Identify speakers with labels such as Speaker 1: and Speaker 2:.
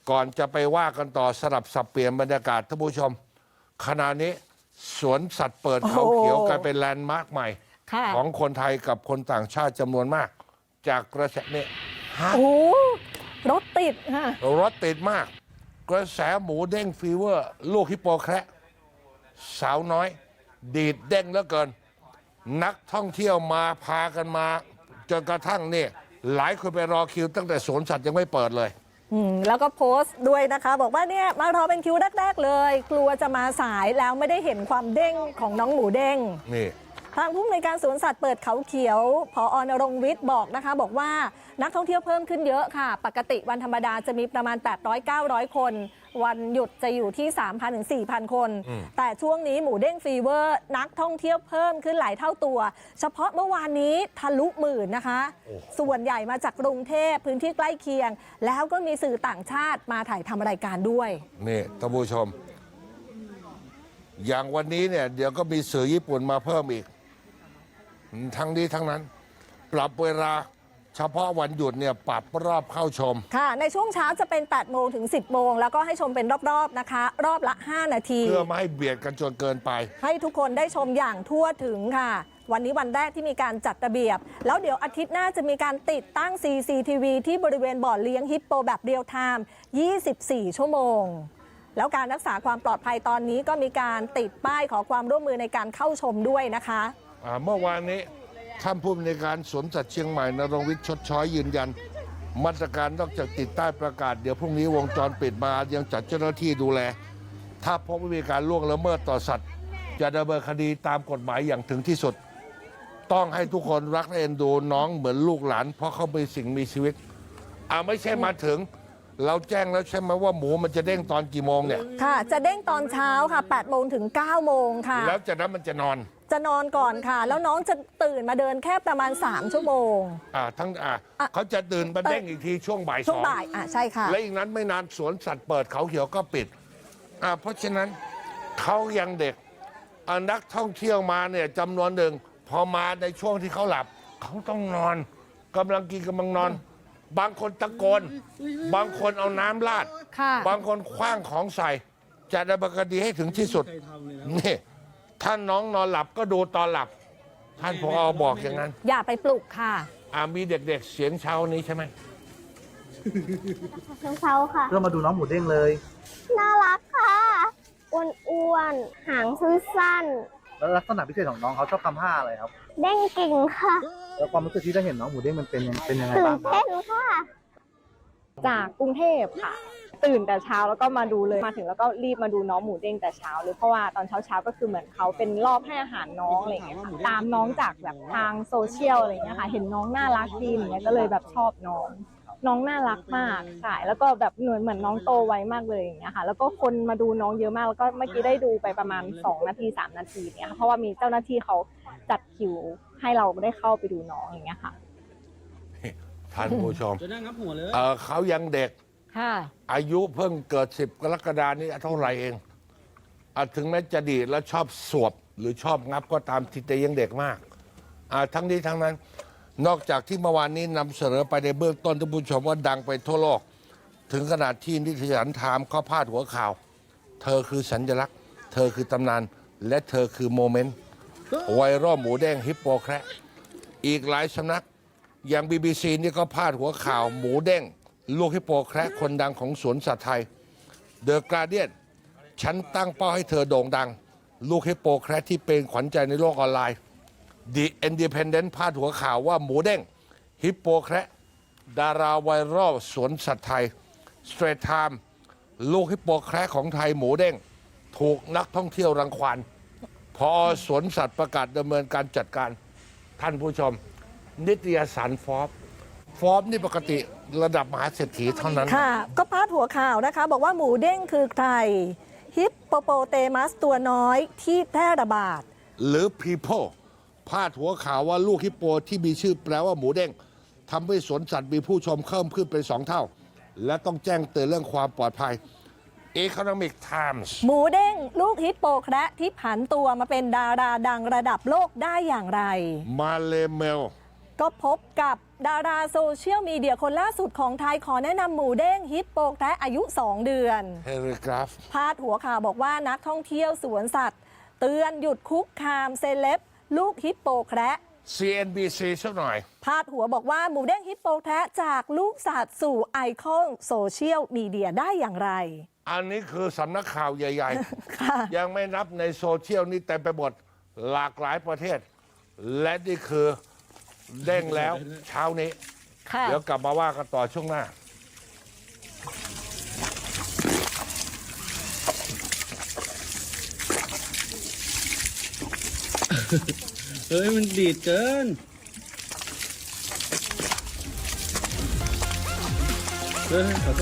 Speaker 1: ก่อนจะไปว่ากันต่อสลับสับเปลี่ยนบรรยากาศท่านผู้ชมขณะนี้สวนสัตว์เปิดเขาเขียวกลายเป็นแลนด์มาร์คใหม่ของคนไทยกับคนต่างชาติจำนวนมากจากกระแสเนี่ย
Speaker 2: โอ้รถติดค่ะ
Speaker 1: รถติดมากกระแสหมูเด้งฟีเวอร์ลูกฮิปโปแคระสาวน้อยดีดเด้งเหลือเกินนักท่องเที่ยวมาพากันมาจนกระทั่งเนี่ยหลายคนไปรอคิวตั้งแต่สวนสัตว์ยังไม่เปิดเลย
Speaker 2: แล้วก็โพสต์ด้วยนะคะบอกว่าเนี่ยมารอเป็นคิวแรกๆเลยกลัวจะมาสายแล้วไม่ได้เห็นความเด้งของน้องหมูเด้ง
Speaker 1: นี่
Speaker 2: ทางผู้อำนวยการสวนสัตว์เปิดเขาเขียวผอ.ณรงค์วิทย์บอกนะคะบอกว่านักท่องเที่ยวเพิ่มขึ้นเยอะค่ะปกติวันธรรมดาจะมีประมาณ 800-900 คนวันหยุดจะอยู่ที่ 3,000 ถึง 4,000 คนแต่ช่วงนี้หมูเด้งฟีเวอร์นักท่องเที่ยวเพิ่มขึ้นหลายเท่าตัวเฉพาะเมื่อวานนี้ทะลุหมื่นนะคะส่วนใหญ่มาจากกรุงเทพพื้นที่ใกล้เคียงแล้วก็มีสื่อต่างชาติมาถ่ายทำรายการด้วย
Speaker 1: นี่ท่านผู้ชมอย่างวันนี้เนี่ยเดี๋ยวก็มีสื่อญี่ปุ่นมาเพิ่มอีกทั้งนี้ทั้งนั้นปรับเวลาเฉพาะวันหยุดเนี่ยปรับรอบเข้าชม
Speaker 2: ค่ะในช่วงเช้าจะเป็น 8 โมงถึง 10 โมงแล้วก็ให้ชมเป็นรอบๆนะคะรอบละ 5 นาที
Speaker 1: เพื่อไม่ให้เบียดกันจนเกินไป
Speaker 2: ให้ทุกคนได้ชมอย่างทั่วถึงค่ะวันนี้วันแรกที่มีการจัดระเบียบแล้วเดี๋ยวอาทิตย์หน้าจะมีการติดตั้ง CCTV ที่บริเวณบ่อเลี้ยงฮิปโปแบบเรียลไทม์24 ชั่วโมงแล้วการรักษาความปลอดภัยตอนนี้ก็มีการติดป้ายขอความร่วมมือในการเข้าชมด้วยนะคะ
Speaker 1: เมื่อวานนี้ท่านผู้อำนวยการสวนสัตว์เชียงใหม่ณรงค์วิทย์ชดช้อยยืนยันมาตรการนอกจากติดใต้ประกาศเดี๋ยวพรุ่งนี้วงจรปิดมายังจัดเจ้าหน้าที่ดูแลถ้าพบว่ามีการล่วงละเมิดต่อสัตว์จะดำเนินคดีตามกฎหมายอย่างถึงที่สุดต้องให้ทุกคนรักและเอ็นดูน้องเหมือนลูกหลานเพราะเขาเป็นสิ่งมีชีวิตไม่ใช่มาถึงเราแจ้งแล้วใช่ไหมว่าหมูมันจะเด้งตอนกี่โมงเนี่ย
Speaker 2: ค่ะจะเด้งตอนเช้าค่ะ 8 โมงถึง 9 โมงค่ะ
Speaker 1: แล้วจากนั้นมันจะนอน
Speaker 2: ก่อนค่ะแล้วน้องจะตื่นมาเดินแค่ประมาณ3 ชั่วโมง
Speaker 1: เขาจะตื่นมาเด้งอีกทีช่วงบ่าย2
Speaker 2: ช่วงบ่ายใช่ค่ะ
Speaker 1: และอีกนั้นไม่นานสวนสัตว์เปิดเขาเขียวก็ปิดเพราะฉะนั้นเขายังเด็กนักท่องเที่ยวมาเนี่ยจำนวนหนึ่งพอมาในช่วงที่เขาหลับเขาต้องนอนกำลังกินกำลังนอนบางคนตะโกนบางคนเอาน้ำราดบางคนคว้างของใส่จะดำเนินคดีให้ถึงที่สุดนี่ท่านน้องนอนหลับก็ดูตอนหลับท่านผอ.บอกอย่างนั้น
Speaker 2: อย่าไปปลุกค่ะ
Speaker 1: มีเด็กๆเสียงเช้านี้ใช่ไหม
Speaker 3: เสียงเช้าค่ะ
Speaker 4: เรามาดูน้องหมูเด้งเลย
Speaker 3: น่ารักค่ะอ้วนๆหางสั้น
Speaker 4: ๆแล้วลักษณะพิเศษของน้องเขาชอบทำท่าอะไรครับ
Speaker 3: เด้งเก่งค่ะ
Speaker 4: แล้วความรู้สึกที่ได้เห็นน้องหมูเด้งมันเป็นยังไงบ้าง
Speaker 3: ตื่นเต้นค่ะ
Speaker 5: จากกรุงเทพค่ะตื่นแต่เช้าแล้วก็มาดูเลยมาถึงแล้วก็รีบมาดูน้องหมูเด้งแต่เช้าเลยเพราะว่าตอนเช้าก็คือเหมือนเขาเป็นรอบให้อาหารน้องอะไรอย่างเงี้ยค่ะตามน้องจากแบบทางโซเชียลอะไรอย่างเงี้ยค่ะเห็นน้องน่ารักดีอย่างเงี้ยก็เลยแบบชอบน้องน่ารักมากใช่แล้วก็แบบเหมือนน้องโตไวมากเลยอย่างเงี้ยค่ะแล้วก็คนมาดูน้องเยอะมากแล้วก็เมื่อกี้ได้ดูไปประมาณ2 นาที 3 นาทีเนี่ยเพราะว่ามีเจ้าหน้าที่เขาจัดคิวให้เราได้เข้าไปดูน้องอย่างเงี้ยค่ะ
Speaker 1: ท่านผู้ชมเขายังเด็กอายุเพิ่งเกิด10 กรกฎาคมนี้เท่าไหร่เองถึงแม้จะดีแล้วชอบสวบหรือชอบงับก็ตามที่แต่ยังเด็กมากทั้งนี้ทั้งนั้นนอกจากที่เมื่อวานนี้นำเสนอไปในเบื้องต้นท่านผู้ชมว่าดังไปทั่วโลกถึงขนาดที่นิตยสารไทม์เขาพาดหัวข่าวเธอคือสัญลักษณ์เธอคือตำนานและเธอคือโมเมนต์ไวรัลหมูแดงฮิปโปแคระอีกหลายสำนักอย่าง BBC นี่ก็พาดหัวข่าวหมูเด้งลูกฮิปโปแคระคนดังของสวนสัตว์ไทย The Guardian ฉันตั้งเป้าให้เธอโด่งดังลูกฮิปโปแคระที่เป็นขวัญใจในโลกออนไลน์ The Independent พาดหัวข่าวว่าหมูเด้งฮิปโปแคระดาราไวรัลสวนสัตว์ไทย Straight Time ลูกฮิปโปแคระของไทยหมูเด้งถูกนักท่องเที่ยวรังควานพอสวนสัตว์ประกาศดำเนินการจัดการท่านผู้ชมนิตยสารฟอร์บนี่ปกติระดับมหาเศรษฐีเท่านั้น
Speaker 2: ค่ะก็พาดหัวข่าวนะคะบอกว่าหมูเด้งคือใครฮิปโปโปเตมัสตัวน้อยที่แพร่ระบาด
Speaker 1: หรือ People พาดหัวข่าวว่าลูกฮิปโปที่มีชื่อแปลว่าหมูเด้งทำให้สวนสัตว์มีผู้ชมเพิ่มขึ้นเป็น2 เท่าและต้องแจ้งเตือนเรื่องความปลอดภัย Economic Times
Speaker 2: หมูเด้งลูกฮิปโปแคระที่ผันตัวมาเป็นดาราดังระดับโลกได้อย่างไร
Speaker 1: มาเลเมล
Speaker 2: ก็พบกับดาราโซเชียลมีเดียคนล่าสุดของไทยขอแนะนำหมูเด้งฮิปโปแคระอายุ 2 เดือน
Speaker 1: เฮลิกราฟ
Speaker 2: พาดหัวข่าวบอกว่านักท่องเที่ยวสวนสัตว์ เตือนหยุดคุกคามเซเลบลูกฮิปโปแคระ
Speaker 1: CNBC สักหน่อย
Speaker 2: พาดหัวบอกว่าหมูเด้งฮิปโปแคระจากลูกสัตว์สู่ไอคอนโซเชียลมีเดียได้อย่างไร
Speaker 1: อันนี้คือสำนักข่าวใหญ่
Speaker 2: ค่ะ
Speaker 1: ๆ ยังไม่นับในโซเชียลนี่เต็มไปหมดหลากหลายประเทศ และนี่คือเด้งแล้วเช้านี้
Speaker 2: ค่ะ
Speaker 1: เดี๋ยวกลับมาว่ากันต่อช่วงหน้า
Speaker 6: เฮ้ย มันดีดเกิน เฮ้ยขอโทษ